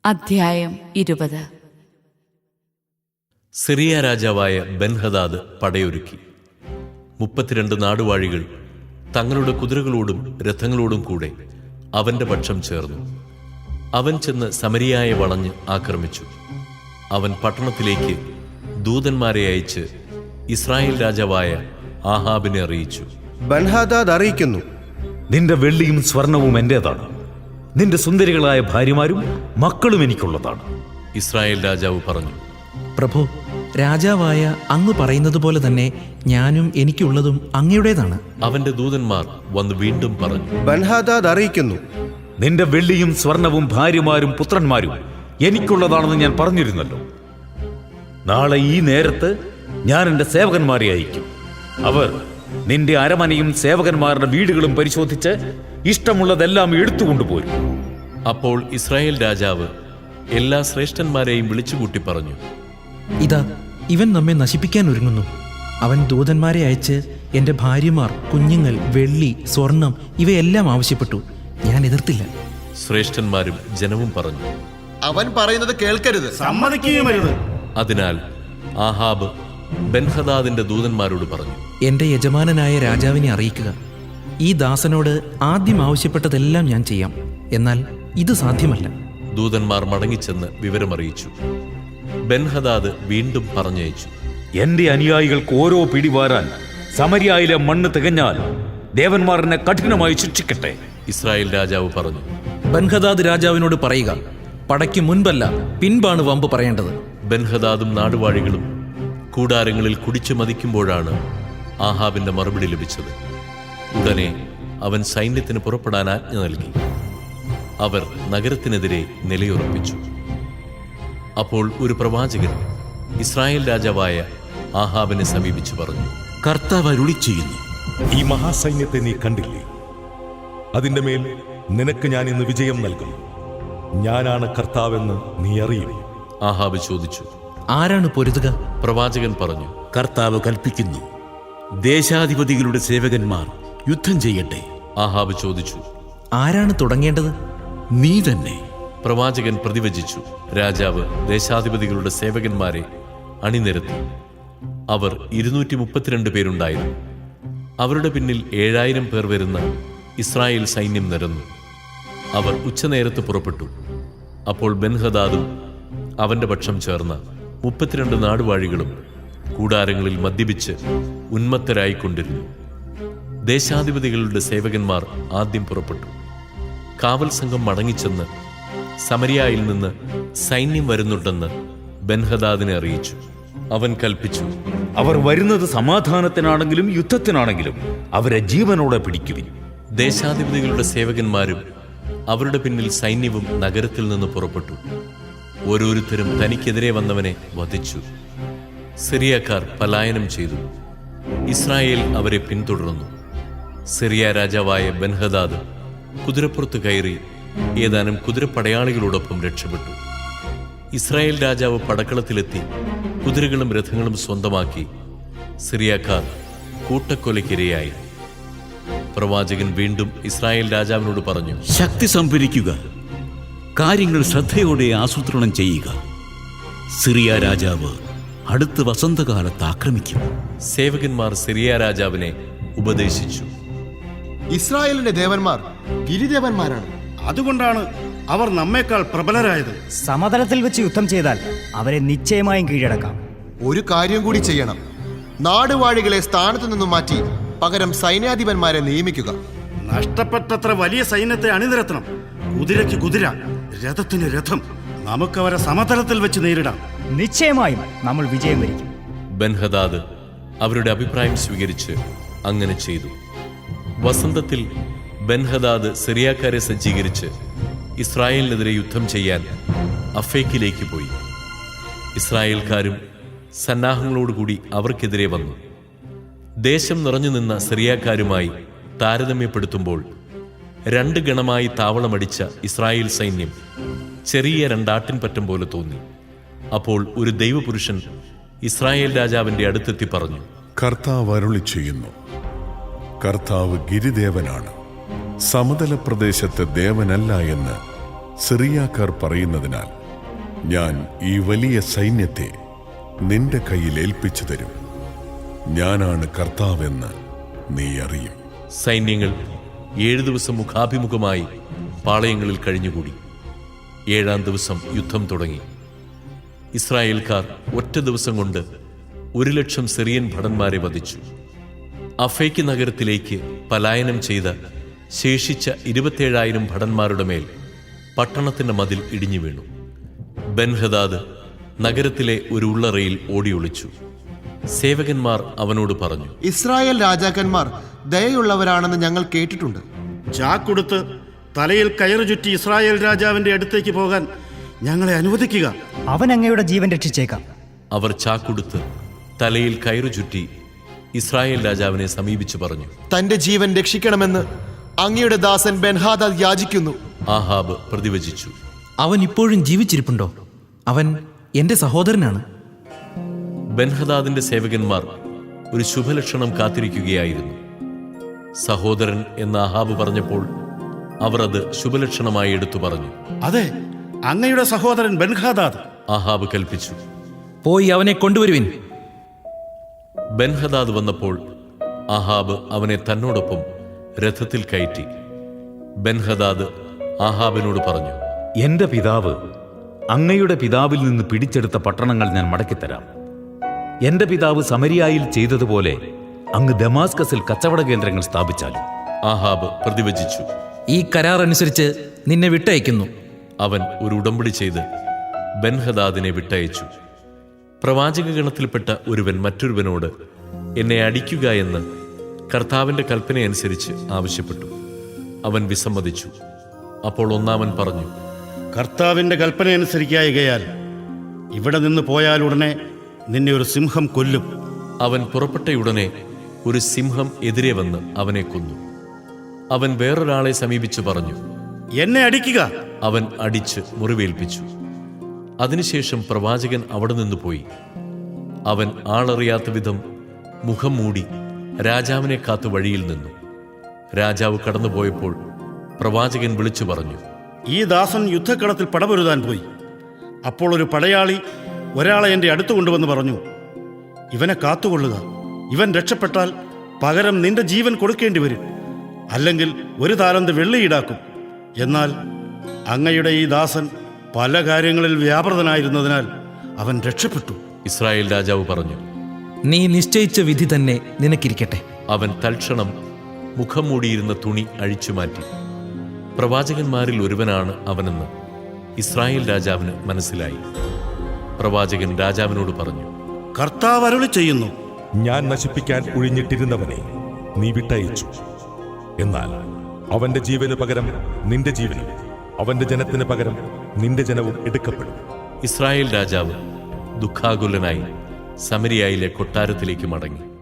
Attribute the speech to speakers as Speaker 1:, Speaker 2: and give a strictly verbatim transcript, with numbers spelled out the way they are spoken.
Speaker 1: അധ്യായം ഇരുപത്.
Speaker 2: സിറിയ രാജാവായ ബെൻഹദാദ് പടയൊരുക്കി. മുപ്പത്തിരണ്ട് നാടുവാഴികൾ തങ്ങളുടെ കുതിരകളോടും രഥങ്ങളോടും കൂടെ അവന്റെ പക്ഷം ചേർന്നു. അവൻ ചെന്ന് സമരിയായെ വളഞ്ഞ് ആക്രമിച്ചു. അവൻ പട്ടണത്തിലേക്ക് ദൂതന്മാരെ അയച്ച് ഇസ്രായേൽ രാജാവായ ആഹാബിനെ അറിയിച്ചു.
Speaker 3: ബെൻഹദാദ് അറിയിക്കുന്നു,
Speaker 4: നിന്റെ വെള്ളിയും സ്വർണവും എന്റേതാണ്, നിന്റെ സുന്ദരികളായ ഭാര്യമാരും മക്കളും എനിക്കുള്ളതാണ്.
Speaker 2: ഇസ്രായേൽ രാജാവ് പറഞ്ഞു,
Speaker 5: പ്രഭു, രാജാവായ അങ്ങ് പറയുന്നത് പോലെ തന്നെ ഞാനും എനിക്കുള്ളതും അങ്ങയുടേതാണ്.
Speaker 2: അവന്റെ ദൂതന്മാർ വന്ന് വീണ്ടും പറഞ്ഞു,
Speaker 3: ബെൻഹദാദ് അറിയിക്കുന്നു,
Speaker 4: നിന്റെ വെള്ളിയും സ്വർണവും ഭാര്യമാരും പുത്രന്മാരും എനിക്കുള്ളതാണെന്ന് ഞാൻ പറഞ്ഞിരുന്നല്ലോ. നാളെ ഈ നേരത്ത് ഞാൻ എൻ്റെ സേവകന്മാരെ അയക്കും. അവർ നിന്റെ അരമനയും സേവകന്മാരുടെ വീടുകളും പരിശോധിച്ച് ഇഷ്ടമുള്ളതെല്ലാം എടുത്തുകൊണ്ടുപോരും.
Speaker 2: അപ്പോൾ ഇസ്രായേൽ രാജാവ് എല്ലാ ശ്രേഷ്ഠന്മാരെയും വിളിച്ചുകൂട്ടി പറഞ്ഞു,
Speaker 5: ഇതാ, ഇവൻ നമ്മെ നശിപ്പിക്കാൻ ഒരുങ്ങുന്നു. അവൻ ദൂതന്മാരെ അയച്ച് എൻ്റെ ഭാര്യമാർ, കുഞ്ഞുങ്ങൾ, വെള്ളി, സ്വർണം ഇവയെല്ലാം ആവശ്യപ്പെട്ടു. ഞാൻ എതിർത്തില്ല.
Speaker 2: ശ്രേഷ്ഠന്മാരും ജനവും പറഞ്ഞു,
Speaker 6: അവൻ പറയുന്നത് കേൾക്കരുത്,
Speaker 7: സമ്മതിക്കുകയുമരുത്.
Speaker 2: അതിനാൽ ആഹാബ് ബെൻഹദാദിന്റെ ദൂതന്മാരോട് പറഞ്ഞു,
Speaker 5: എൻ്റെ യജമാനനായ രാജാവിനെ അറിയിക്കുക, ഈ ദാസനോട് ആദ്യം ആവശ്യപ്പെട്ടതെല്ലാം ഞാൻ ചെയ്യാം. എന്നാൽ ഇത് സാധ്യമല്ല.
Speaker 2: ദൂതന്മാർ മടങ്ങിച്ചെന്ന് വിവരമറിയിച്ചു. ബെൻഹദാദ് വീണ്ടും പറഞ്ഞയച്ചു,
Speaker 4: എന്റെ അനുയായികൾക്ക് ഓരോ പിടിവാരാൻ സമരിയായിലെ മണ്ണ് തികഞ്ഞാൽ ദേവന്മാർ എന്നെ കഠിനമായി ശിക്ഷിക്കട്ടെ.
Speaker 2: ഇസ്രായേൽ രാജാവ് പറഞ്ഞു,
Speaker 5: ബെൻഹദാദ് രാജാവിനോട് പറയുക, പടയ്ക്ക് മുൻപല്ല പിൻപാണ് വമ്പ് പറയേണ്ടത്.
Speaker 2: ബെൻഹദാദും നാടുവാഴികളും കൂടാരങ്ങളിൽ കുടിച്ചു മതിക്കുമ്പോഴാണ് ആഹാബിന്റെ മറുപടി ലഭിച്ചത്. ഉടനെ അവൻ സൈന്യത്തിന് പുറപ്പെടാൻ ആജ്ഞ നൽകി. അവർ നഗരത്തിനെതിരെ നിലയുറപ്പിച്ചു. അപ്പോൾ ഒരു പ്രവാചകൻ ഇസ്രായേൽ രാജാവായ ആഹാബിനെ സമീപിച്ചു പറഞ്ഞു,
Speaker 8: കർത്താവ് അരുളി ചെയ്യുന്നു, ഈ മഹാസൈന്യത്തെ നീ കണ്ടില്ലേ? അതിന്റെ മേൽ നിനക്ക് ഞാൻ ഇന്ന് വിജയം നൽകും. ഞാനാണ് കർത്താവെന്ന് നീ അറിയും.
Speaker 2: ആഹാബ് ചോദിച്ചു,
Speaker 5: ആരാണ് പൊരുതുക?
Speaker 2: പ്രവാചകൻ പറഞ്ഞു,
Speaker 8: കർത്താവ് കൽപ്പിക്കുന്നു, ദേശാധിപതികളുടെ സേവകന്മാർ യുദ്ധം ചെയ്യട്ടെ.
Speaker 2: ആഹാബ് ചോദിച്ചു,
Speaker 5: ആരാണ് തുടങ്ങേണ്ടത്?
Speaker 8: നീ തന്നെ.
Speaker 2: പ്രവാചകൻ പ്രതിവചിച്ചു. രാജാവ് ദേശാധിപതികളുടെ സേവകന്മാരെ അണിനിരത്തി. അവർ ഇരുന്നൂറ്റി മുപ്പത്തിരണ്ട് പേരുണ്ടായിരുന്നു. അവരുടെ പിന്നിൽ ഏഴായിരം പേർ വരുന്ന ഇസ്രായേൽ സൈന്യം നിരന്നു. അവർ ഉച്ചനേരത്ത് പുറപ്പെട്ടു. അപ്പോൾ ബെൻഹദാദും അവന്റെ പക്ഷം ചേർന്ന മുപ്പത്തിരണ്ട് നാടുവാഴികളും കൂടാരങ്ങളിൽ മദ്യപിച്ച് ഉന്മത്തരായിക്കൊണ്ടിരുന്നു. ദേശാധിപതികളുടെ സേവകന്മാർ ആദ്യം പുറപ്പെട്ടു. കാവൽ സംഘം മടങ്ങിച്ചെന്ന് സമരിയായിൽ നിന്ന് സൈന്യം വരുന്നുണ്ടെന്ന് ബെൻഹദാദിനെ അറിയിച്ചു. അവൻ കൽപ്പിച്ചു,
Speaker 4: അവർ വരുന്നത് സമാധാനത്തിനാണെങ്കിലും യുദ്ധത്തിനാണെങ്കിലും അവരെ ജീവനോടെ പിടിക്കുവിൻ.
Speaker 2: ദേശാധിപതികളുടെ സേവകന്മാരും അവരുടെ പിന്നിൽ സൈന്യവും നഗരത്തിൽ നിന്ന് പുറപ്പെട്ടു. ഓരോരുത്തരും തനിക്കെതിരെ വന്നവനെ വധിച്ചു. സിറിയക്കാർ പലായനം ചെയ്തു. ഇസ്രായേൽ അവരെ പിന്തുടർന്നു. സിറിയ രാജാവായ ബെൻഹദാദ് കുതിരപ്പുറത്ത് കയറി ഏതാനും കുതിരപ്പടയാളികളോടൊപ്പം രക്ഷപ്പെട്ടു. ഇസ്രായേൽ രാജാവ് പടക്കളത്തിലെത്തി കുതിരകളും രഥങ്ങളും സ്വന്തമാക്കി. സിറിയക്കാർ കൂട്ടക്കൊലയ്ക്കിരയായി. പ്രവാചകൻ വീണ്ടും ഇസ്രായേൽ രാജാവിനോട് പറഞ്ഞു,
Speaker 8: ശക്തി സംഭരിക്കുക, കാര്യങ്ങൾ ശ്രദ്ധയോടെ ആസൂത്രണം ചെയ്യുക. സിറിയ രാജാവ് അടുത്ത വസന്തകാലത്ത് ആക്രമിക്കും.
Speaker 2: സേവകന്മാർ സിറിയ രാജാവിനെ ഉപദേശിച്ചു.
Speaker 6: ഇസ്രായേലിന്റെ ദേവന്മാർ ഗിരിദേവന്മാരാണ്.
Speaker 7: അതുകൊണ്ടാണ് അവർ നമ്മേക്കാൾ പ്രബലരായത്.
Speaker 9: സമതലത്തിൽ വെച്ച് യുദ്ധം ചെയ്താൽ അവരെ നിശ്ചയമായും കീഴടക്കാം.
Speaker 6: ഒരു കാര്യം കൂടി ചെയ്യണം, നാടുവാഴികളെ സ്ഥാനത്തു നിന്നും മാറ്റി പകരം സൈന്യാധിപന്മാരെ നിയമിക്കുക.
Speaker 7: നഷ്ടപ്പെട്ടത്ര വലിയ സൈന്യത്തെ അണിനിരത്തണം. കുതിരയ്ക്ക് കുതിര, രഥത്തിന് രഥം. നമുക്കവരെ സമതലത്തിൽ വെച്ച് നേരിടാം.
Speaker 9: നിശ്ചയമായും നമ്മൾ വിജയം വരിക്കും.
Speaker 2: ബെൻഹദാദ് അവരുടെ അഭിപ്രായം സ്വീകരിച്ച് അങ്ങനെ ചെയ്തു. വസന്തത്തിൽ ബെൻഹദാദ് സിറിയക്കാരെ സജ്ജീകരിച്ച് ഇസ്രായേലിനെതിരെ യുദ്ധം ചെയ്യാൻ അഫേക്കിലേക്ക് പോയി. ഇസ്രായേൽക്കാരും സന്നാഹങ്ങളോടുകൂടി അവർക്കെതിരെ വന്നു. ദേശം നിറഞ്ഞു നിന്ന സിറിയക്കാരുമായി താരതമ്യപ്പെടുത്തുമ്പോൾ രണ്ട് ഗണമായി താവളമടിച്ച ഇസ്രായേൽ സൈന്യം ചെറിയ രണ്ടാട്ടിൻപറ്റം പോലെ തോന്നി. അപ്പോൾ ഒരു ദൈവപുരുഷൻ ഇസ്രായേൽ രാജാവിന്റെ അടുത്തെത്തി പറഞ്ഞു,
Speaker 10: കർത്താവ് അരുളി ചെയ്യുന്നു, കർത്താവ് ഗിരിദേവനാണ്, സമതല പ്രദേശത്തെ ദേവനല്ല എന്ന് സിറിയാക്കാർ പറയുന്നതിനാൽ ഞാൻ ഈ വലിയ സൈന്യത്തെ നിന്റെ കയ്യിൽ ഏൽപ്പിച്ചു തരും. ഞാനാണ് കർത്താവെന്ന് നീ അറിയും.
Speaker 2: സൈന്യങ്ങൾ ഏഴു ദിവസം മുഖാഭിമുഖമായി പാളയങ്ങളിൽ കഴിഞ്ഞുകൂടി. ഏഴാം ദിവസം യുദ്ധം തുടങ്ങി. ഇസ്രായേൽക്കാർ ഒറ്റ ദിവസം കൊണ്ട് ഒരു ലക്ഷം സിറിയൻ ഭടന്മാരെ വധിച്ചു. അഫേക്ക് നഗരത്തിലേക്ക് പലായനം ചെയ്ത ശേഷിച്ച ഇരുപത്തിയേഴായിരം ഭടന്മാരുടെ മേൽ പട്ടണത്തിന്റെ മതിൽ ഇടിഞ്ഞു വീണു. ബെൻഹദാദ് നഗരത്തിലെ ഒരു ഉള്ളറയിൽ ഓടിയൊളിച്ചു. സേവകന്മാർ അവനോട് പറഞ്ഞു,
Speaker 6: ഇസ്രായേൽ രാജാക്കന്മാർ ദയയുള്ളവരാണെന്ന് ഞങ്ങൾ കേട്ടിട്ടുണ്ട്.
Speaker 7: ചാക്കൊടുത്ത് തലയിൽ കയറു ചുറ്റി ഇസ്രായേൽ രാജാവിന്റെ അടുത്തേക്ക് പോകാൻ ഞങ്ങളെ അനുവദിക്കുക.
Speaker 9: അവൻ അങ്ങയുടെ ജീവൻ രക്ഷിച്ചേക്കാം.
Speaker 2: അവർ ചാക്കൊടുത്ത് തലയിൽ കയറു ചുറ്റി ഇസ്രായേൽ രാജാവിനെ സമീപിച്ചു പറഞ്ഞു,
Speaker 6: തന്റെ ജീവൻ രക്ഷിക്കണമെന്ന് അങ്ങയുടെ ദാസൻ ബെൻഹാദാദ് യാചിക്കുന്നു.
Speaker 2: ആഹാബ് പ്രതിവചിച്ചു.
Speaker 5: അവൻ ഇപ്പോഴും ജീവിച്ചിരിപ്പുണ്ടോ? അവൻ എൻ്റെ സഹോദരനാണ്.
Speaker 2: ബെൻഹദാദിന്റെ സേവകന്മാർ ഒരു ശുഭലക്ഷണം കാത്തിരിക്കുകയായിരുന്നു. സഹോദരൻ എന്ന് ആഹാബ് പറഞ്ഞപ്പോൾ അവർ അത് ശുഭലക്ഷണമായി എടുത്തു പറഞ്ഞു.
Speaker 7: അതെ, അങ്ങയുടെ സഹോദരൻ ബെൻഹാദാദ്.
Speaker 2: ആഹാബ് കൽപ്പിച്ചു.
Speaker 5: പോയി അവനെ കൊണ്ടുവരുവിൻ.
Speaker 2: ബെൻഹദാദ് വന്നപ്പോൾ ആഹാബ് അവനെ തന്നോടൊപ്പം രഥത്തിൽ കയറ്റി. ബെൻഹദാദ് ആഹാബിനോട് പറഞ്ഞു,
Speaker 4: എന്റെ പിതാവ് അങ്ങയുടെ പിതാവിൽ നിന്ന് പിടിച്ചെടുത്ത പട്ടണങ്ങൾ ഞാൻ മടക്കിത്തരാം. എന്റെ പിതാവ് സമരിയായിൽ ചെയ്തതുപോലെ അങ്ങ് ദമാസ്കസിൽ കച്ചവട കേന്ദ്രങ്ങൾ സ്ഥാപിച്ചാലും.
Speaker 2: ആഹാബ് പ്രതിവചിച്ചു.
Speaker 5: ഈ കരാർ അനുസരിച്ച് നിന്നെ വിട്ടയക്കുന്നു.
Speaker 2: അവൻ ഒരു ഉടമ്പടി ചെയ്ത് ബെൻഹദാദിനെ വിട്ടയച്ചു. പ്രവാചക ഗണത്തിൽപ്പെട്ട ഒരുവൻ മറ്റൊരുവനോട് എന്നെ അടിക്കുക എന്ന് കർത്താവിന്റെ കൽപ്പനയനുസരിച്ച് ആവശ്യപ്പെട്ടു. അവൻ വിസമ്മതിച്ചു. അപ്പോൾ ഒന്നാമൻ പറഞ്ഞു,
Speaker 7: കർത്താവിന്റെ കൽപ്പനയനുസരിക്കായികയാൽ ഇവിടെ നിന്ന് പോയാലുടനെ നിന്നെ ഒരു സിംഹം കൊല്ലും.
Speaker 2: അവൻ പുറപ്പെട്ടയുടനെ ഒരു സിംഹം എതിരെ വന്ന് അവനെ കൊന്നു. അവൻ വേറൊരാളെ സമീപിച്ചു പറഞ്ഞു,
Speaker 7: എന്നെ അടിക്കുക.
Speaker 2: അവൻ അടിച്ച് മുറിവേൽപ്പിച്ചു. അതിനുശേഷം പ്രവാചകൻ അവിടെ നിന്ന് പോയി. അവൻ ആളറിയാത്ത വിധം മുഖം മൂടി രാജാവിനെ കാത്തു വഴിയിൽ നിന്നു. രാജാവ് കടന്നുപോയപ്പോൾ പ്രവാചകൻ വിളിച്ചു പറഞ്ഞു,
Speaker 7: ഈ ദാസൻ യുദ്ധക്കളത്തിൽ പടപൊരുതാൻ പോയി. അപ്പോൾ ഒരു പടയാളി ഒരാളെ എൻ്റെ അടുത്ത് കൊണ്ടുവന്ന് പറഞ്ഞു, ഇവനെ കാത്തുകൊള്ളുക. ഇവൻ രക്ഷപ്പെട്ടാൽ പകരം നിന്റെ ജീവൻ കൊടുക്കേണ്ടി വരും, അല്ലെങ്കിൽ ഒരു താലന്ത് വെള്ളി ഈടാക്കും. എന്നാൽ അങ്ങയുടെ ഈ ദാസൻ പല കാര്യങ്ങളിൽ വ്യാപൃതനായിരുന്നതിനാൽ അവൻ രക്ഷപ്പെട്ടു.
Speaker 2: ഇസ്രായേൽ രാജാവ് പറഞ്ഞു,
Speaker 5: നീ നിശ്ചയിച്ച വിധി തന്നെ നിനക്കിരിക്കട്ടെ.
Speaker 2: അവൻ തൽക്ഷണം മുഖം മൂടിയിരുന്ന തുണി അഴിച്ചുമാറ്റി. പ്രവാചകന്മാരിൽ ഒരുവനാണ് അവനെന്ന് ഇസ്രായേൽ രാജാവിന് മനസ്സിലായി. പ്രവാചകൻ രാജാവിനോട് പറഞ്ഞു,
Speaker 7: കർത്താവ് അരുളി ചെയ്യുന്നു,
Speaker 8: ഞാൻ നശിപ്പിക്കാൻ ഒഴിഞ്ഞിട്ടിരുന്നവനെ നീ വിട്ടയച്ചു. എന്നാൽ അവന്റെ ജീവന് പകരം നിന്റെ ജീവനും അവന്റെ ജനത്തിന് പകരം നിന്റെ ജനവും എടുക്കപ്പെടും.
Speaker 2: ഇസ്രായേൽ രാജാവ് ദുഃഖാകുലനായി സമരിയായിലെ കൊട്ടാരത്തിലേക്ക് മടങ്ങി.